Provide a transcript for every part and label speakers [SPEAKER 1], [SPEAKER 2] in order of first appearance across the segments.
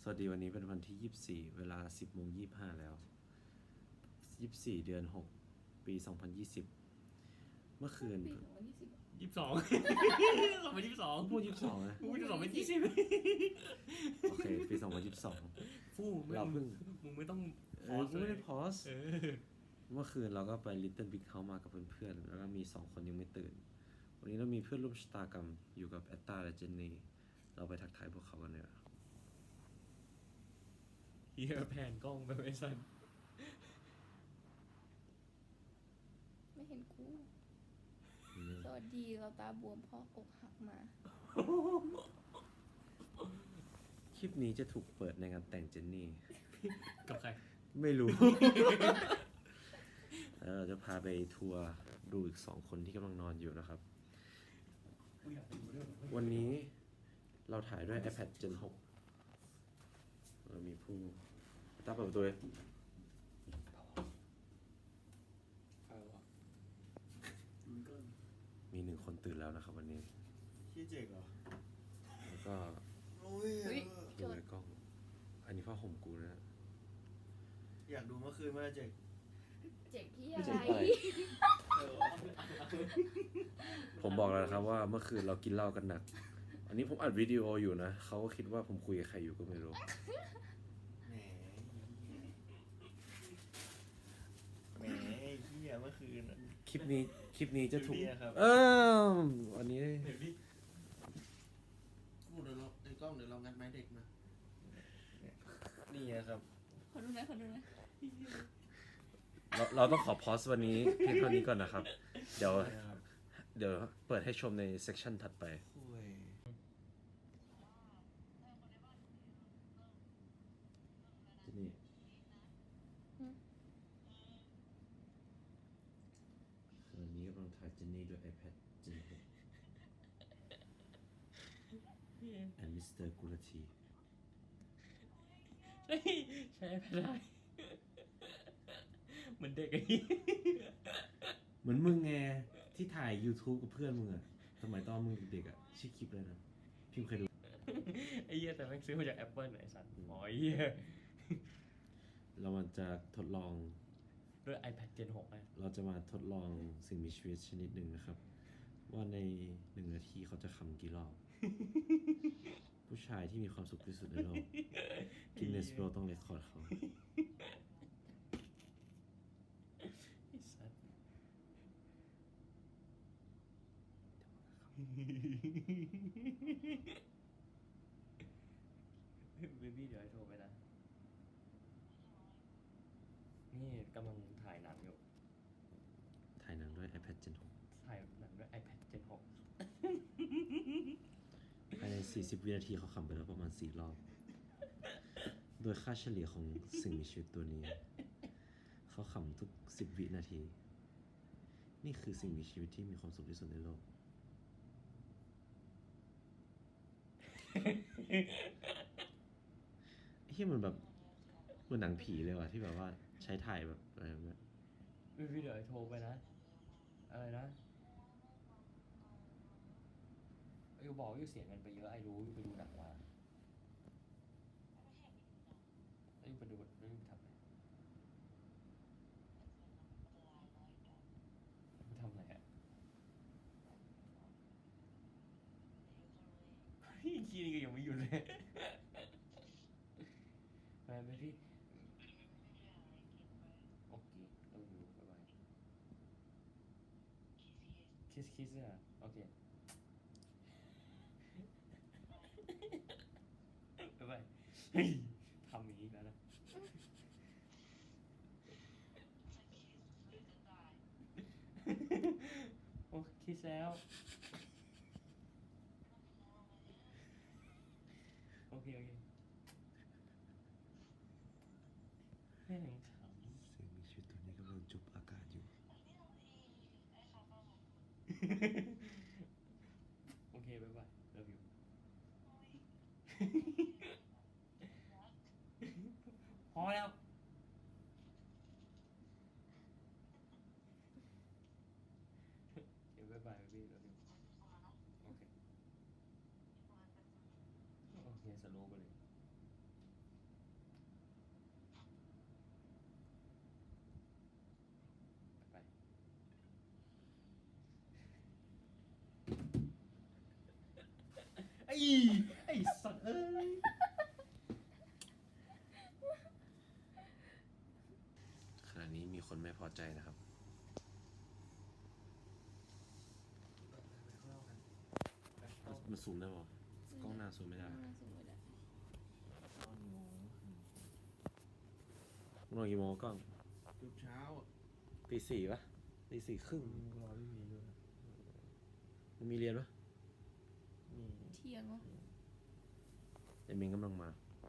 [SPEAKER 1] วัสดีวันนี้เป็นวันที่ 24 เวลา 10:25 แล้ว 24 เดือน 6 ปี 2020 เมื่อคืน
[SPEAKER 2] ปี2020
[SPEAKER 3] 22 2022
[SPEAKER 1] พูด 22 นะ
[SPEAKER 3] พูด22เป็น20
[SPEAKER 1] โอเค ปี 2022
[SPEAKER 3] ฟู่
[SPEAKER 1] เราเพิ่ง
[SPEAKER 3] มึงไม่ต้อง
[SPEAKER 1] กูไม่ได้พอส
[SPEAKER 3] เออ
[SPEAKER 1] เมื่อคืนเราก็ไป Little Big House มากับเพื่อนๆ แล้วก็มี 2 คนยังไม่ตื่น วันนี้เรามีเพื่อนร่วมชะตากรรมอยู่กับแอตตาและเจนนี่ เราไปทักทายพวกเขากันเลย
[SPEAKER 3] เฮียแผ่นกล้องไปไว้สั้น
[SPEAKER 2] ไม่เห็นกู สวัสดีเราตาบวมเพราะอกหักมา
[SPEAKER 1] คลิปนี้จะถูกเปิดในงานแต่งเจนนี่
[SPEAKER 3] กับใคร
[SPEAKER 1] ไม่รู้ แล้วเราจะพาไปทัวร์ดูอีก 2 คนที่กำลังนอนอยู่นะครับ วันนี้เราถ่ายด้วย iPad Gen 6 เรามีผู้ตั้งเปิดประตูเลยมี 1 คนตื่นแล้วนะครับวันนี้
[SPEAKER 4] ขี้เจ๋งเหรอ
[SPEAKER 1] แล้วก็
[SPEAKER 4] โอ้ย
[SPEAKER 2] เฮ้ย
[SPEAKER 1] ดูในกล้อง อันนี้ผ้าห่มกูนะ
[SPEAKER 4] อยากดูเมื่อคืนว่าเจ๋ง
[SPEAKER 2] เจ็บที่
[SPEAKER 1] ไม่
[SPEAKER 2] อะ
[SPEAKER 1] เจ็
[SPEAKER 2] ไร
[SPEAKER 1] บอะไร ผมบอกแล้วนะครับว่าเมื่อคืนเรากินเหล้ากันหนัก อันนี้ผมอัดวิดีโออยู่นะ เขาก็คิดว่าผมคุยกับใครอยู่ก็ไม่รู้
[SPEAKER 4] แหมแหมเหี้ยเมื่อคืนอะ
[SPEAKER 1] คลิปนี้จะถูก
[SPEAKER 4] ดูดีนะครับ
[SPEAKER 1] วันนี้
[SPEAKER 3] เดี๋ยวดิ
[SPEAKER 4] กูเดี๋ยวเราในกล้องเดี๋ยวเรางัดไม้เด็กมานี่นะครับ
[SPEAKER 2] ขอดูนะขอดูนะ
[SPEAKER 1] เราต้องขอพอสวันนี้เพียงเท่านี้ก่อนนะครับ เดี๋ยว
[SPEAKER 4] นะครับ
[SPEAKER 1] เปิดให้ชมในเซสชันถัดไป
[SPEAKER 4] คุย
[SPEAKER 1] ที่นี่วันนี้กำลังถ่ายเจนนี่ด้วย iPad Gen 6 and Mr. Gulati
[SPEAKER 3] เฮ้ยใช้ไม่ได้เหมือนเด็กไอ้เหี้ย
[SPEAKER 1] เหมือนมึงไงที่ถ่าย YouTube กับเพื่อนมึงอะสมัยตอนมึงเด็กๆอะชื่อคลิปเลยนะพี่เคยดู
[SPEAKER 3] ไอ้เหี้ยแต่แม่งซื้อมาจาก Apple ไอ้สัตว์อ๋อไอ้เหี้ย
[SPEAKER 1] เรามันจะทดลอง
[SPEAKER 3] ด้วย iPad Gen 6อ่ะ
[SPEAKER 1] เราจะมาทดลองสิ่งมีชีวิตชนิดหนึ่งนะครับ ว่าใน1 นาทีเขาจะคำกี่รอบ ผู้ชายที่มีความสุขที่สุดในโลกกินเนสโปรต้องเรคคอร์ดเขา
[SPEAKER 3] ไอ้สัตว์เบบี้เดี๋ยวให้โทรไปนะ นี่กำลังถ่ายหนังอยู่
[SPEAKER 1] ถ่ายหนังด้วย iPad Gen
[SPEAKER 3] ถ่ายหนังด้วย iPad Gen 6
[SPEAKER 1] 6 ภายใน 40 วินาทีเขาคำไปแล้วประมาณ 4 รอบ โดยค่าเฉลี่ยของสิ่งมีชีวิตตัวนี้ เขาขำทุก 10 วินาที นี่คือสิ่งมีชีวิตที่มีความสุขที่สุดในโลก เฮียมันแบบเหมือนหนังผีเลยว่ะที่แบบว่าใช้ถ่ายแบบอะไรแบบเนี้ย
[SPEAKER 3] เบบี้เดี๋ยวให้โทรไปนะ อะไรนะอยู่บอกอยู่เสียเงินไปเยอะไอ้รู้อยู่ไปดูหนังมาไอ้อยู่ไปดูแล้วอยู่ทำอะไรไปทำอะไรอะเฮ้ยคีนี่ก็ยังไม่หยุดเลยไปพี่โอเคเราอยู่บ๊ายบายคิสอะโอเคบ๊ายบายเฮ้ยทำอย่างนี้แล้วนะโอ้คิสแล้วโอเคแม่งขำ
[SPEAKER 1] สิ่งมีชีวิตตัวนี้กำลังจุบอากาศอยู่
[SPEAKER 3] โอเคบ๊ายบาย love you พอแล้วเดี๋ยวบ๊ายบายพี่ love you โอเคโอเคสโลว์ไปเลยไอ้สัตว์เอ้ย
[SPEAKER 1] ขณะนี้มีคนไม่พอใจนะครับ มันซูมได้ป่ะกล้องหน้าซูมไม่ได้
[SPEAKER 2] น่าสวยแหละ
[SPEAKER 1] นอนกี่โมงกล้อง
[SPEAKER 4] ทุกเช้าอะ
[SPEAKER 1] ตีสี่ปะตีสี่ครึ่ง
[SPEAKER 3] รอพี่มีด้วย
[SPEAKER 1] มันมีเรียนปะ
[SPEAKER 2] เที่ยงวะ
[SPEAKER 1] ไอเมงกำลังมา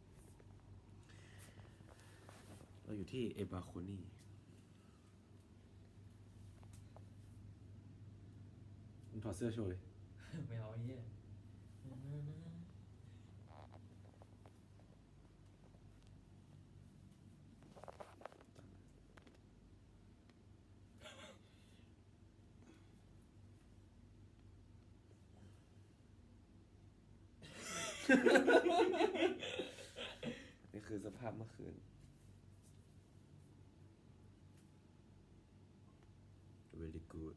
[SPEAKER 1] เราอยู่ที่เอบาโคนี่มันถอดเสื้อโชว์เลย
[SPEAKER 3] ไม่เอาไอ้เหี้ย
[SPEAKER 1] นี่คือสภาพเมื่อคืน very good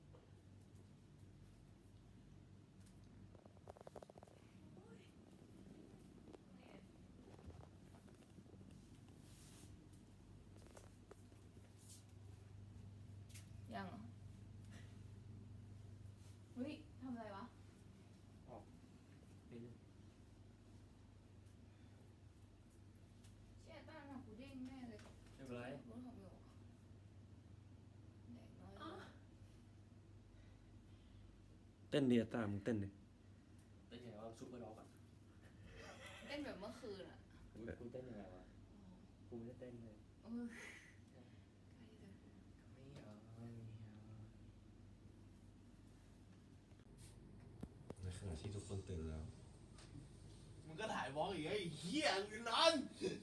[SPEAKER 2] ยังเหรอเฮ้ยทำอะไรวะ
[SPEAKER 3] เป็น
[SPEAKER 2] เชี่ยต้านหนักกูเด้งแน่เลย
[SPEAKER 3] ไม่เป็นไร
[SPEAKER 2] รถของโยกแดกน้อยกว่า
[SPEAKER 1] เต้นดีอะตามมึงเต้นดิ
[SPEAKER 3] แต่อย่างว่าซุปเปอร์ด็อกอ่ะ
[SPEAKER 2] เต้นแบบเมื่อคืนอ่ะ
[SPEAKER 3] กูเต้นยังไงวะกูไม่ได้เต้นเลย
[SPEAKER 2] เออ
[SPEAKER 3] ไม่เอาไม่เอา
[SPEAKER 1] ในขณะที่ทุกคนตื่นแล้ว
[SPEAKER 4] มึงก็ถ่ายวอล์กอีกไอ้เหี้ยมึงนอน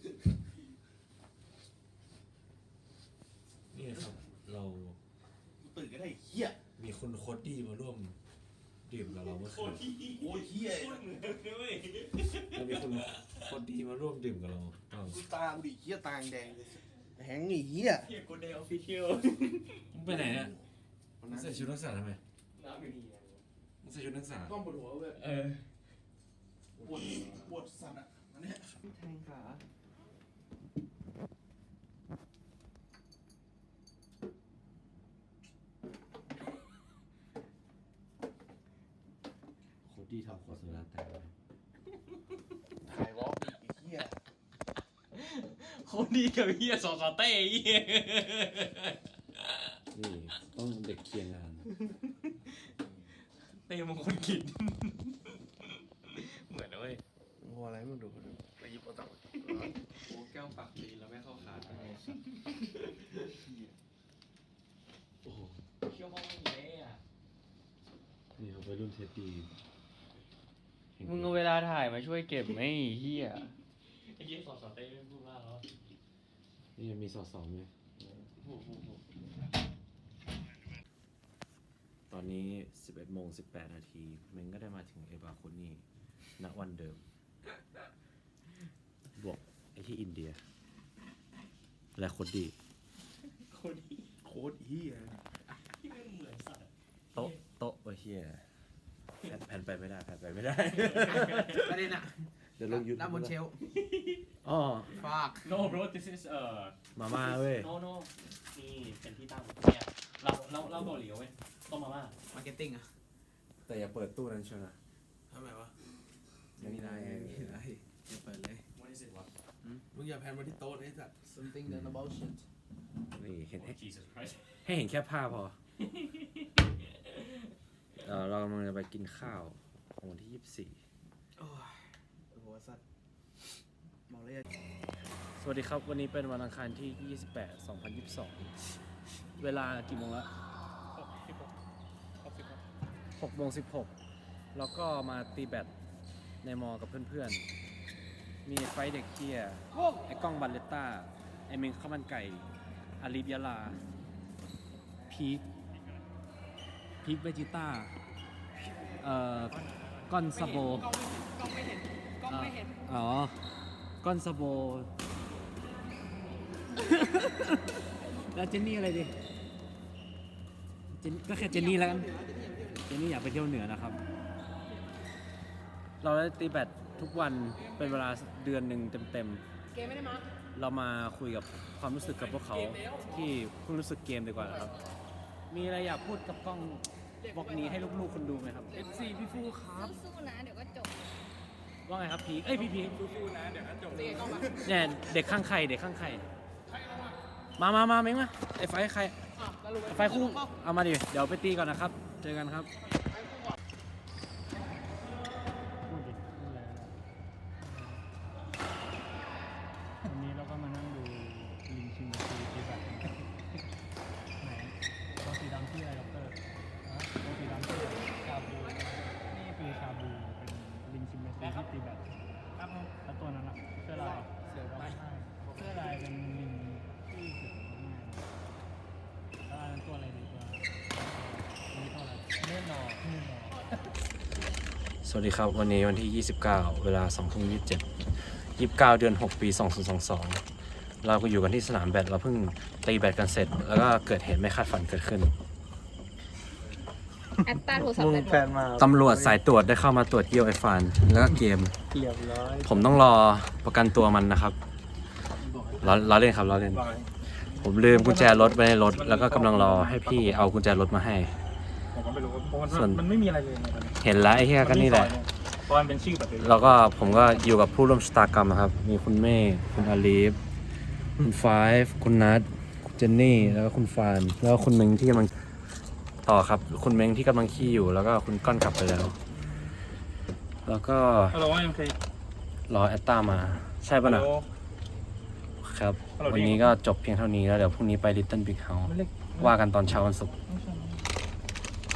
[SPEAKER 1] นี่ครับ เรา
[SPEAKER 4] กูตื่นก็ได้ไอ้เหี้ย
[SPEAKER 1] มีคุณโคดดี้มาร่วมดื่มกับเราเมื่อคืน
[SPEAKER 4] โอ้ยเหี้ย
[SPEAKER 1] เรามีคุณโคดดี้มาร่วมดื่มกับเราอ้าว
[SPEAKER 4] กูตากูดิเหี้ยตาแดงเลยแหงไอ้เหี้ย
[SPEAKER 3] เฮียกูเดย์ออฟฟิเชียล
[SPEAKER 1] มึงไปไหนเนี่ย
[SPEAKER 4] วัน
[SPEAKER 1] มึ
[SPEAKER 4] นั้
[SPEAKER 1] ง
[SPEAKER 4] น
[SPEAKER 1] ใส่ชุดนักศึกษาทำไม
[SPEAKER 3] น้ำอยู่นี่ไง
[SPEAKER 1] มึงใส่ชุดนักศึกษา
[SPEAKER 4] ต้องปวดหัวเว้ย
[SPEAKER 3] เออ
[SPEAKER 4] ปวดสัตว์อ่ะอันเนี้ย
[SPEAKER 3] แทงขา
[SPEAKER 1] โคดดี้ทำโฆษณาแต่ง
[SPEAKER 4] ถ่ายวอล์กอีกไอ้เหี้ย
[SPEAKER 3] คนดีกับเฮียสอสเต้เฮีย
[SPEAKER 1] นี่ต้องเด็กเคียงงาน
[SPEAKER 3] เต้มงคลกินเหมือนนะเว้ย
[SPEAKER 4] มึงอะไรมึงดูไปหยิบเอาตังค์
[SPEAKER 3] โอ้แก้วปากดีแล้วไม่เข้าขาดอะไร
[SPEAKER 1] โอ้โห
[SPEAKER 3] เชี่ยวห้องไม่เละอ่ะ
[SPEAKER 1] นี่เขาไปรุ่นเทปดี
[SPEAKER 5] มึงเอาเวลาถ่ายมาช่วยเก็บไหมไอ้เฮีย
[SPEAKER 3] ไอ้เฮียสอสเต้ไม่พูดมากแล้ว
[SPEAKER 1] นี่ยังมีสอสองไหมตอนนี้ 11 โมง 18 นาทีเมงก็ได้มาถึงเอบาโคนี่ณวันเดิม บวกไอ้ที่อินเดีย และโคดดี้
[SPEAKER 3] คนดี
[SPEAKER 4] โคตรเหี้ย
[SPEAKER 3] ที่ไม่เหมือนสัตว์
[SPEAKER 1] โต๊ะโอ้ยเฮียแผ่นไปไม่ได้แผ่นไปไม่ได้
[SPEAKER 4] ประเด็นอ่ะ
[SPEAKER 1] เดี๋ยวลงยูทูบ
[SPEAKER 4] ด้านบนเชลฟ์
[SPEAKER 1] อ๋อ
[SPEAKER 4] ฝาก
[SPEAKER 3] โน bro this is
[SPEAKER 1] มาม่าเว้ย
[SPEAKER 3] no no นี่เป็นที่ตั้งเนี่ยเราเกาหลีเว้ยต้มมาม่า
[SPEAKER 4] มาร์เก็ตติ้งอ่ะ
[SPEAKER 1] แต่อย่าเปิดตู้นั้นเชียวนะ
[SPEAKER 4] ทำไมวะ
[SPEAKER 1] ไม่ได้
[SPEAKER 4] ไม่ได้อย่าเปิดเลย
[SPEAKER 3] what is it วะ
[SPEAKER 4] มึงอย่าแพนมาที่โต๊ะไอ้สัตว์ something that about shit
[SPEAKER 1] นี่เห็น
[SPEAKER 3] oh Jesus Christ
[SPEAKER 1] ให้เห็นแค่ภาพพอ เรากำลังจะไปกินข้าวของวันที่
[SPEAKER 4] โอ้ยหัวสัตว์บอกเลย
[SPEAKER 5] สวัสดีครับ วันนี้เป็นวันอังคารที่ 28 2022 เวลากี่โมงละ6 โมง 16 แล้วก็มาตีแบดในมอกับเพื่อนๆ มีไฟเด็กเกียร์ไอ้กล้องบัลเลตต้า ไอ้เมงข้าวมันไก่ อาลีบยาลา พีคเวจิต้า ก้อนซาโบ กล้องไม่เห็น อ๋อ ก้อนซาโบ แล้วเจนนี่อะไรดิก็แค่เจนนี่แล้วกัน เจนนี่อยากไปเที่ยวเหนือนะครับเราได้ตีแบดทุกวันเป็นเวลาเดือนหนึ่งเต็ม
[SPEAKER 4] เกมไม่ได้มา
[SPEAKER 5] ๆเรามาคุยกับความรู้สึกกับพวกเขาที่เพิ่งรู้สึกเกมดีกว่าครับ มีอะไรอยากพูดกับกล้องบล็อกนี้ให้ลูกๆคนดูไหมครับ
[SPEAKER 4] FC พี่ฟูครับ
[SPEAKER 2] สู้ๆนะ เดี๋ยวก็จบ
[SPEAKER 5] ว่าไงครับพีคเอ้ยพี่พีค
[SPEAKER 4] ฟูนะเดี๋ยวก็จบกล้องมา
[SPEAKER 5] เนี่ยเด็กข้างใครเด็กข้างใครมาเม้งมาไอ้ไฟใครไอ้ไฟคู่เอามาดิเดี๋ยวไปตีก่อนนะครับ เจอกันครับ
[SPEAKER 6] วันนี้เราก็มานั่งดูลิงชิมแปนซีที่แบบไหนตัวสีดำที่อะไรด็อกเตอร์ตัวสีดำที่อะไรชาบูนี่คือชาบูเป็นลิงชิมแปนซีที่ตีแบตครับแล้วตัวนั้นอ่ะเสื้อลายเสือร้องไห้เสื้อลายเป็นลิงที่เสือร้องไห้แล้วอันนั้นตัวอะไรดีกว่าอันนี้ตัวอะไรเนื้อนอ
[SPEAKER 5] สวัสดีครับวันนี้วันที่ 29 เวลา 20:27 29 เดือน 6 ปี 2022 เราก็อยู่กันที่สนามแบดเราเพิ่งตีแบดกันเสร็จ แล้วก็เกิดเหตุไม่คาดฝันเกิดขึ้น
[SPEAKER 2] แอตตาโทรศัพท์แบตหมด
[SPEAKER 5] ตำรวจสายตรวจได้เข้ามาตรวจเยี่ยวไอ้ฟานแล้วก็เกม
[SPEAKER 6] เรียบร้อย
[SPEAKER 5] ผมต้องรอประกันตัวมันนะครับล้อเล่นครับล้อเล่น ผมลืมกุญแจรถไว้ในรถ แล้วก็กำลังรอให้พี่เอากุญแจรถมาให้
[SPEAKER 6] ผมก็ไม่รู้เพราะ
[SPEAKER 5] ส่วน
[SPEAKER 6] มันไม่มีอะไรเลยในตอนนี้
[SPEAKER 5] เห็นแล้วไอ้เหี้ยก็นี่แหละ
[SPEAKER 6] เพราะมันเป็นชื่อแบบนี้
[SPEAKER 5] แล้วก็ผมก็อยู่กับผู้ร่วมชะตากรรมนะครับ มีคุณเมฆคุณอาลีฟ คุณไฟฟ์คุณนัทคุณเจนนี่ แล้วก็คุณฟาน แล้วก็คุณเม้งที่กำลังต่อครับ คุณเม้งที่กำลังขี้อยู่ แล้วก็คุณก้อนกลับไปแล้ว แล้วก็
[SPEAKER 6] ฮัลโหลยังเคย
[SPEAKER 5] รอแอตตามา ใช่ป่ะนะ ครับ วันนี้ก็จบเพียงเท่านี้แล้วเดี๋ยวพรุ่งนี้ไป Little Big House ว่ากันตอนเช้าวันศุกร์
[SPEAKER 6] ไม่ใช่